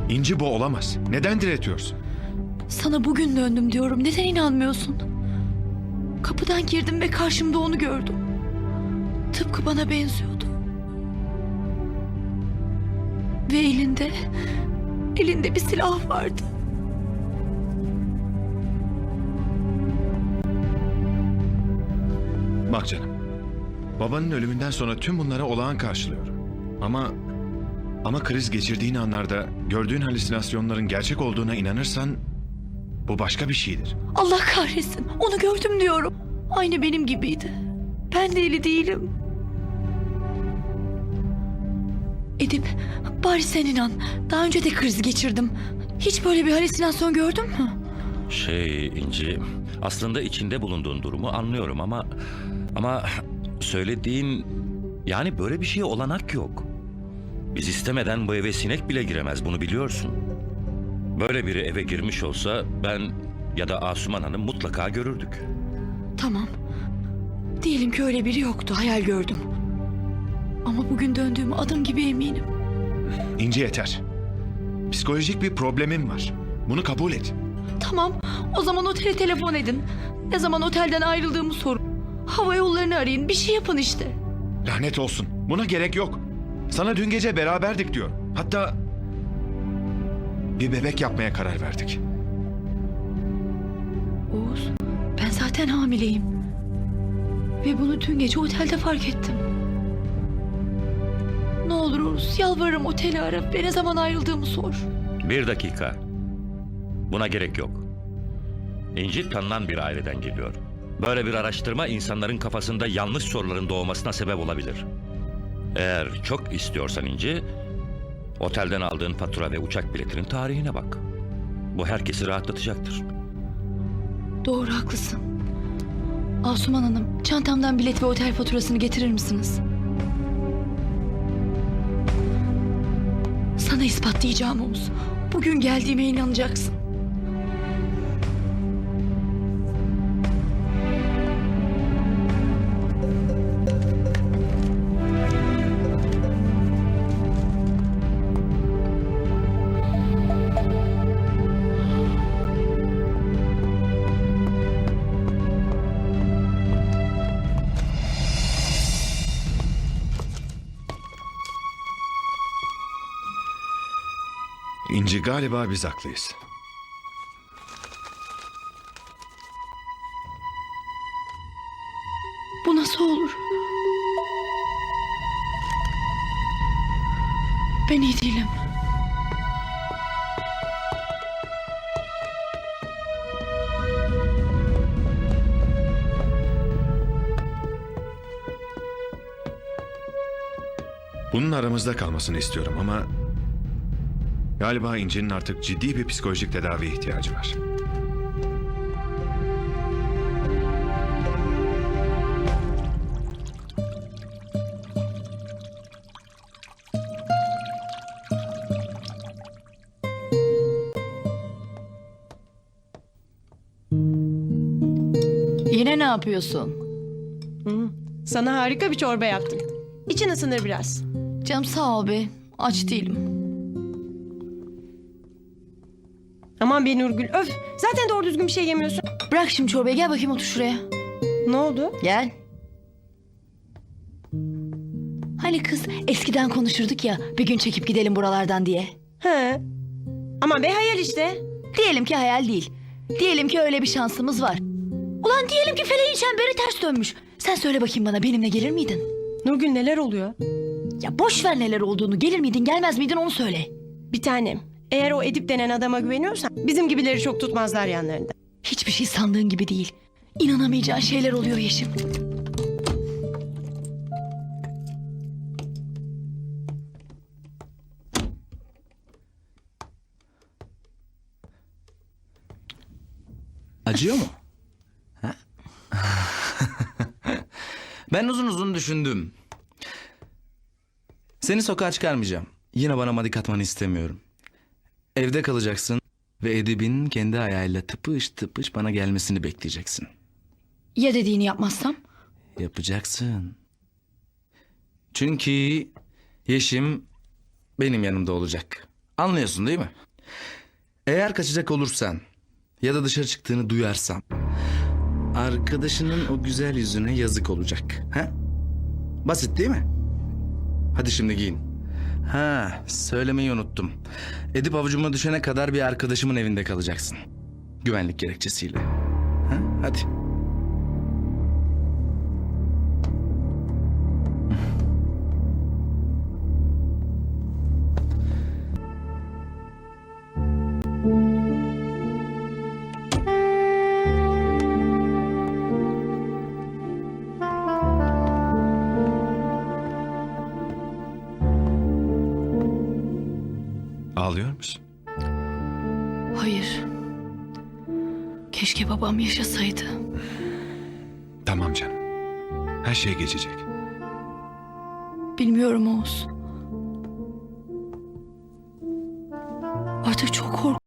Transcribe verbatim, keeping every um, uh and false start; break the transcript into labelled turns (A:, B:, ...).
A: İnci, bu olamaz. Neden diretiyorsun?
B: Sana bugün döndüm diyorum. Neden inanmıyorsun? Kapıdan girdim ve karşımda onu gördüm. Tıpkı bana benziyordu. Ve elinde, elinde bir silah vardı.
A: Bak canım, babanın ölümünden sonra tüm bunlara olağan karşılıyorum. Ama ama kriz geçirdiğin anlarda gördüğün halüsinasyonların gerçek olduğuna inanırsan bu başka bir şeydir.
B: Allah kahretsin. Onu gördüm diyorum. Aynı benim gibiydi. Ben de eli değilim. Edip, bari sen inan. Daha önce de kriz geçirdim. Hiç böyle bir halüsinasyon gördün mü?
C: Şey İnci, aslında içinde bulunduğun durumu anlıyorum ama... Ama söylediğin... Yani böyle bir şeye olanak yok. Biz istemeden bu eve sinek bile giremez, bunu biliyorsun. Böyle biri eve girmiş olsa ben ya da Asuman Hanım mutlaka görürdük.
B: Tamam. Diyelim ki öyle biri yoktu. Hayal gördüm. Ama bugün döndüğüme adım gibi eminim.
A: İnci, yeter. Psikolojik bir problemim var. Bunu kabul et.
B: Tamam. O zaman otele telefon edin. Ne zaman otelden ayrıldığımı sorun. Hava yollarını arayın. Bir şey yapın işte.
A: Lanet olsun. Buna gerek yok. Sana dün gece beraberdik diyor. Hatta bir bebek yapmaya karar verdik.
B: Oğuz, ben zaten hamileyim. Ve bunu dün gece otelde fark ettim. Ne olur Oğuz, yalvarırım, oteli ara ve ne zaman ayrıldığımı sor.
C: Bir dakika. Buna gerek yok. İnci tanınan bir aileden geliyor. Böyle bir araştırma insanların kafasında yanlış soruların doğmasına sebep olabilir. Eğer çok istiyorsan İnci, otelden aldığın fatura ve uçak biletinin tarihine bak. Bu herkesi rahatlatacaktır.
B: Doğru, haklısın. Asuman Hanım, çantamdan bilet ve otel faturasını getirir misiniz? Sana ispatlayacağım Oğuz. Bugün geldiğime inanacaksın.
A: İnci, galiba biz haklıyız.
B: Bu nasıl olur? Ben iyi değilim.
A: Bunun aramızda kalmasını istiyorum ama galiba İnci'nin artık ciddi bir psikolojik tedaviye ihtiyacı var.
B: Yine ne yapıyorsun?
D: Hı. Sana harika bir çorba yaptım. İçin ısınır biraz.
B: Canım sağ ol be. Aç değilim.
D: Aman be Nurgül, öf. Zaten doğru düzgün bir şey yemiyorsun.
B: Bırak şimdi çorbayı, gel bakayım otur şuraya.
D: Ne oldu?
B: Gel. Hani kız eskiden konuşurduk ya, bir gün çekip gidelim buralardan diye.
D: He. Aman be, hayal işte.
B: Diyelim ki hayal değil. Diyelim ki öyle bir şansımız var. Ulan diyelim ki feleğin çemberi ters dönmüş. Sen söyle bakayım bana, benimle gelir miydin?
D: Nurgül, neler oluyor?
B: Ya boş ver neler olduğunu, gelir miydin gelmez miydin onu söyle.
D: Bir tanem, eğer o Edip denen adama güveniyorsan bizim gibileri çok tutmazlar yanlarında.
B: Hiçbir şey sandığın gibi değil. İnanamayacağın şeyler oluyor Yeşim.
E: Acıyor mu? Ha? Ben uzun uzun düşündüm. Seni sokağa çıkarmayacağım. Yine bana madik atmanı istemiyorum. Evde kalacaksın ve Edip'in kendi ayağıyla tıpış tıpış bana gelmesini bekleyeceksin.
B: Ya dediğini yapmazsam?
E: Yapacaksın. Çünkü Yeşim benim yanımda olacak. Anlıyorsun değil mi? Eğer kaçacak olursan ya da dışarı çıktığını duyarsam arkadaşının o güzel yüzüne yazık olacak. Ha? Basit değil mi? Hadi şimdi giyin. Ha, söylemeyi unuttum. Edip avucuma düşene kadar bir arkadaşımın evinde kalacaksın. Güvenlik gerekçesiyle. Ha? Hadi.
A: Ağlıyor musun?
B: Hayır. Keşke babam yaşasaydı.
A: Tamam canım. Her şey geçecek.
B: Bilmiyorum Oğuz. Artık çok korkuyorum.